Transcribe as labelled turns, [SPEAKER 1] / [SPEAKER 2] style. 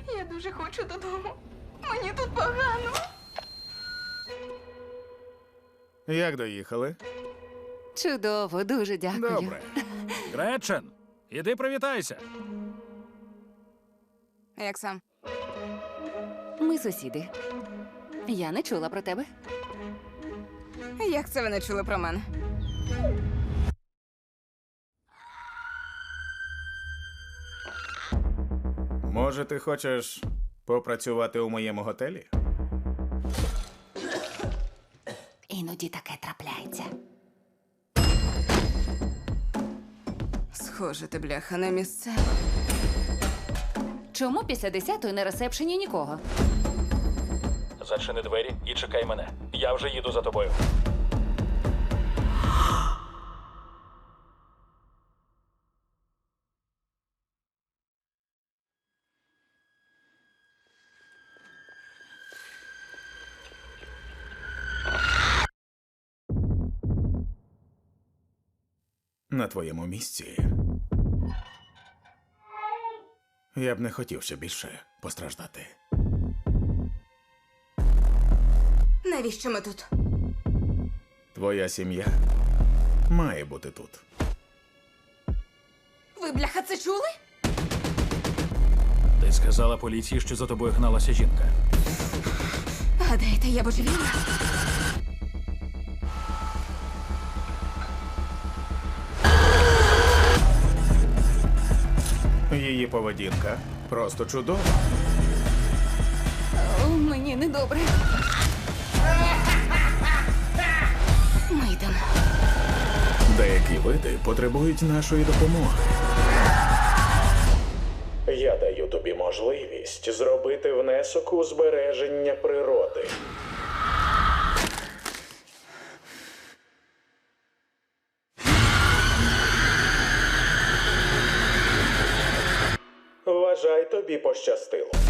[SPEAKER 1] Я дуже хочу додому. Мені тут погано.
[SPEAKER 2] Як доїхали?
[SPEAKER 3] Чудово, дуже дякую.
[SPEAKER 2] Добре.
[SPEAKER 4] Гречен, іди привітайся.
[SPEAKER 1] Як сам?
[SPEAKER 3] Ми сусіди. Я не чула про тебе.
[SPEAKER 1] Як це ви не чули про мене?
[SPEAKER 2] Може, ти хочеш попрацювати у моєму готелі?
[SPEAKER 3] Іноді таке трапляється.
[SPEAKER 1] Схоже, ти, бляха, не місцева.
[SPEAKER 3] Чому після 10-ї на ресепшені нікого?
[SPEAKER 4] Зачини двері і чекай мене. Я вже їду за тобою.
[SPEAKER 2] На твоєму місці. Я б не хотів ще більше постраждати.
[SPEAKER 1] Навіщо ми тут?
[SPEAKER 2] Твоя сім'я має бути тут.
[SPEAKER 1] Ви, бляха, це чули?
[SPEAKER 4] Ти сказала поліції, що за тобою гналася жінка.
[SPEAKER 1] Гадаєте, я божевільна?
[SPEAKER 2] Її поведінка просто чудова.
[SPEAKER 3] О, мені недобре.
[SPEAKER 1] Ми йдемо.
[SPEAKER 2] Деякі види потребують нашої допомоги. Я даю тобі можливість зробити внесок у збереження природи. Вважай, тобі пощастило.